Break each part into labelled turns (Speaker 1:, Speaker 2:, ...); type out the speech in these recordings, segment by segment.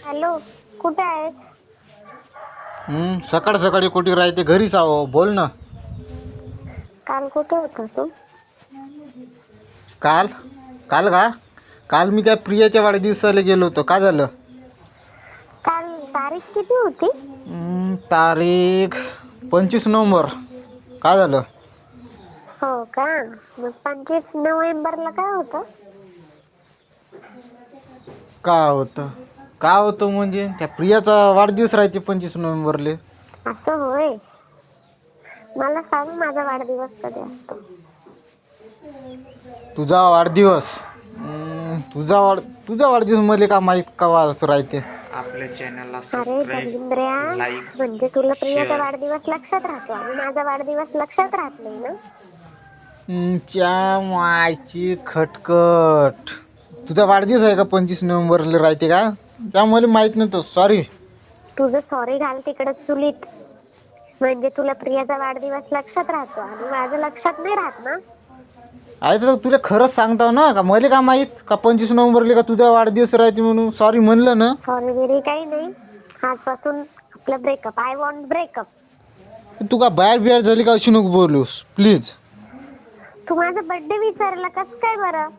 Speaker 1: Hello, कुठे आहे?
Speaker 2: सकाळ सकाळी कुठे राहते? घरीच आहो. बोल ना.
Speaker 1: काल कुठे होता तू?
Speaker 2: काल काल का काल मी त्या प्रियाच्या वाढदिवसाला गेलो होतो. काय झालं?
Speaker 1: काल तारीख किती होती?
Speaker 2: तारीख 25 नोव्हेंबर. काय झालं?
Speaker 1: हो का? मग 25 नोव्हेंबरला काय होतं?
Speaker 2: काय होतं म्हणजे त्या प्रियाचा वाढदिवस राहते 25 नोव्हेंबरले.
Speaker 1: असं होय. मला सांग, माझा वाढदिवस कधी असतो?
Speaker 2: तुझा वाढदिवस तुझा वाढदिवस मला का माहीत कवा राहते?
Speaker 3: आपल्या चॅनलला
Speaker 1: अरे
Speaker 3: सबस्क्राईब,
Speaker 1: दलिंद्र्या,
Speaker 3: लाईक,
Speaker 1: म्हणजे तुला प्रियाचा
Speaker 3: शेअर.
Speaker 1: वाढदिवस लक्षात राहतो आणि माझा वाढदिवस लक्षात राहत नाही ना?
Speaker 2: च्या मायची खटखट. तुझा वाढदिवस आहे का 25 नोव्हेंबरला राहते का? त्यामुळे माहीत नव्हतं. सॉरी.
Speaker 1: तुझं सॉरी घाल तिकडं चुलीत. म्हणजे तुला प्रियाचा वाढदिवस लक्षात राहतो आणि माझं लक्षात नाही राहत ना?
Speaker 2: आहे तर तुला खरंच सांगताव ना, का मला का माहीत का 25 नोव्हेंबरला का तुझा वाढदिवस राहते म्हणून? सॉरी म्हणलं ना.
Speaker 1: सॉरी बिरी काही नाही. आजपासून आपलं ब्रेकअप. I want breakup.
Speaker 2: तू का बाहेर झाली का? अशी नको बोलूस प्लीज.
Speaker 1: तू माझा बर्थडे विचारला कस काय बरं?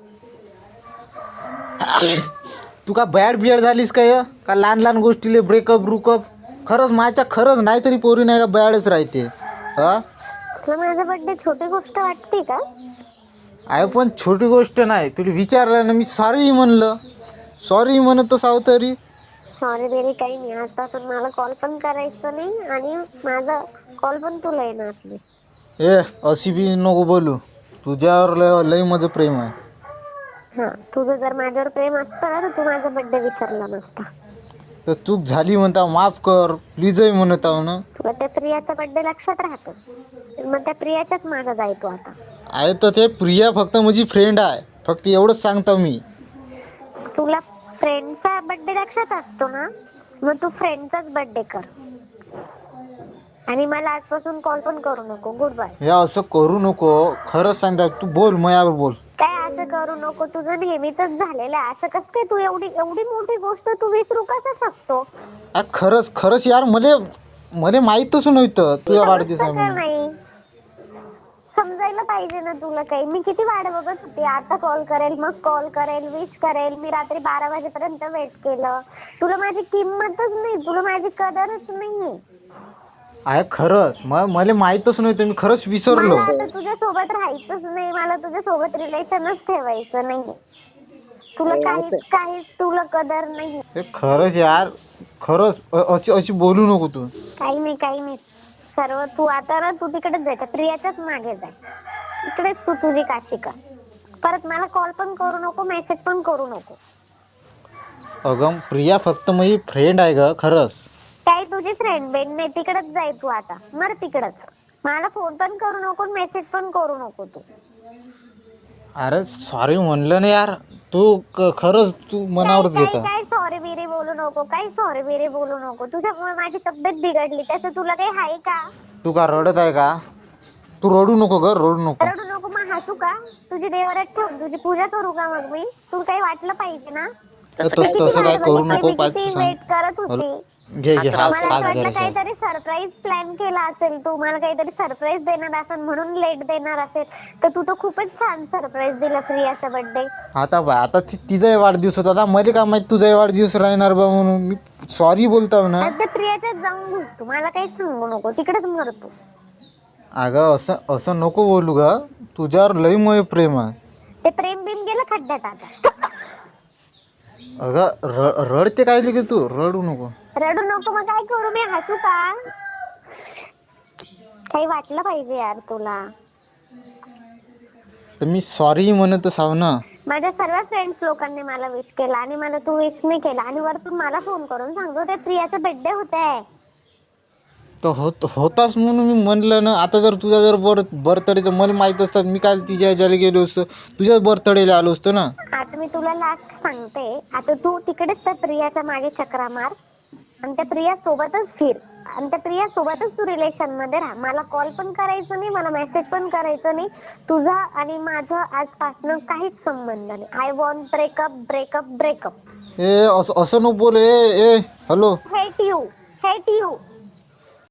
Speaker 2: तू का बियाड झालीस काय? का लहान लहान गोष्टीले ब्रेकअप खरंच नाही तरी पोरी नाही का बॅडच राहते. हा,
Speaker 1: तुला माझा बर्थडे छोटी गोष्ट वाटते का?
Speaker 2: आहे पण छोटी गोष्ट नाही. तुला विचारलं ना मी, सॉरी म्हणलं. सॉरी म्हणत असावं तरी.
Speaker 1: सॉरी बिरी काही नाही. आजपासून मला कॉल पण करायचं नाही आणि माझा कॉल पण तुला येणार नाही.
Speaker 2: अशी बी नको बोलू. तुझ्यावर लय माझं प्रेम आहे.
Speaker 1: हा, तुझं जर माझ्यावर प्रेम असतं ना तर तू माझा बर्थडे विचारला नसता.
Speaker 2: तर चूक झाली म्हणता, माफ कर प्लीजही म्हणत आहो ना.
Speaker 1: तुला त्या प्रियाचा बर्थडे लक्षात राहतो, मग त्या प्रियाच्याच मागं जायचो आता.
Speaker 2: आहे तर ते प्रिया फक्त माझी फ्रेंड आहे. फक्त एवढंच सांगतो मी.
Speaker 1: तुला फ्रेंडचा बर्थडे लक्षात असतो ना, मग तू फ्रेंडचाच बर्थडे कर आणि मला आजपासून कॉल पण करू नको. Good bye.
Speaker 2: हे असं करू नको. खरंच सांगता. तू बोल, माझ्यावर बोल.
Speaker 1: काय असं करू नको? तुझं नेहमीच झालेलं आहे. असं कसं काय? तू एवढी मोठी गोष्ट तू विसरू कसं शकतो?
Speaker 2: खरंच यार, मला माहीतच नव्हतं तुझ्या वाढदिवस आहे म्हणून.
Speaker 1: नाही समजायला पाहिजे ना तुला. काही मी किती वाट बघत होती. आता कॉल करेल, मग कॉल करेल, विश करेल. मी रात्री 12 वाजेपर्यंत वेट केलं. तुला माझी किंमतच नाही. तुला माझी कदरच नाहीये.
Speaker 2: आहे खरंच. मला माहीतच नव्हतं. मी खरंच विसरलो.
Speaker 1: मला आता तुझ्या सोबत राहायचंच नाही. मला तुझ्या सोबत रिलेशनच ठेवायचं नाही. तुला काहीच तुला कदर नाही.
Speaker 2: हे खरंच यार, खरंच अशी बोलू नको तू.
Speaker 1: काही नाही. सर्व तू आता ना, तू तिकडेच जायचं. प्रियाच्याच मागे जाय. इकडेच तू तुझी काशी कर. परत मला कॉल पण करू नको, मेसेज पण करू नको.
Speaker 2: अगं प्रिया फक्त माझी फ्रेंड आहे ग. खरंच.
Speaker 1: काय तुझी फ्रेंड बेन नाही. तिकडेच जाय तू आता. मर तिकडच. मला फोन पण करू नको, मेसेज पण करू नको तू.
Speaker 2: अरे सॉरी म्हणलं ना यार. तू खरंच तू मनावरच घेता.
Speaker 1: काय सॉरी बिरी बोलू नको. काय सॉरी बिरी बोलू नको. तुझ्यामुळे माझी तब्येत बिघडली. त्याचं तुला काही आहे का?
Speaker 2: तू का रडत आहे का? तू रडू नको ग, रडू नको.
Speaker 1: रडू नको. मग हसू का? तुझी देवरात ठेवून तुझी पूजा करू का मग मी? तुला काही वाटलं पाहिजे ना?
Speaker 2: तसं काय करू नको.
Speaker 1: वेट करत होती.
Speaker 2: घे हास
Speaker 1: मला वाटलं
Speaker 2: जरा.
Speaker 1: काहीतरी सरप्राईज प्लॅन केला असेल तू. मला काहीतरी सरप्राईज देणार असेल म्हणून लेट देणार असेल. तर तू तर खूपच छान सरप्राईज दिला प्रियाचा बर्थडे.
Speaker 2: आता तिचाही वाढदिवस होता. आता मला काय माहित तुझाही वाढदिवस राहणार बा म्हणून. मी सॉरी बोलतो ना.
Speaker 1: आता प्रियाच्याच जाऊन घुस तू. मला काहीच सांगू नको. तिकडेच मरतो.
Speaker 2: अगं असं नको बोलू ग. तुझ्यावर लई मोह प्रेम आहे.
Speaker 1: ते प्रेम बिम गेलं खड्ड्यात आता.
Speaker 2: अगं रडते काय की तू. रडू नको.
Speaker 1: रडू नको. मग काय करू मी? हसू का? काही वाटलं पाहिजे यार तुला.
Speaker 2: तर मी सॉरी म्हणतच आहो ना.
Speaker 1: माझ्या सर्व फ्रेंड्स लोकांनी मला विश केलं आणि मला तू विश नाही केला. आणि वरतून मला फोन करून सांगतो ते प्रियाचा बर्थडे होत.
Speaker 2: तर होताच म्हणून मी म्हणलं ना. आता जर तुझा जर बर्थडे तर मला माहीत असतात. मी काल तिच्या ह्याच्याला गेलो असतो. तुझ्याच बर्थडेला आलो असतो ना.
Speaker 1: आता मी तुला लास्ट सांगते. आता तू तिकडेच त्या प्रियाच्या मागे चक्रा मार आणि त्या प्रिया सोबतच फिर आणि त्या प्रिया सोबतच तू रिलेशन मध्ये राहा. मला कॉल पण करायचं नाही, मला मेसेज पण करायचं नाही. तुझा आणि माझं आजपासून काहीच संबंध नाही. I want breakup.
Speaker 2: ए असं असं नको बोल. ए ए हॅलो.
Speaker 1: Hate you.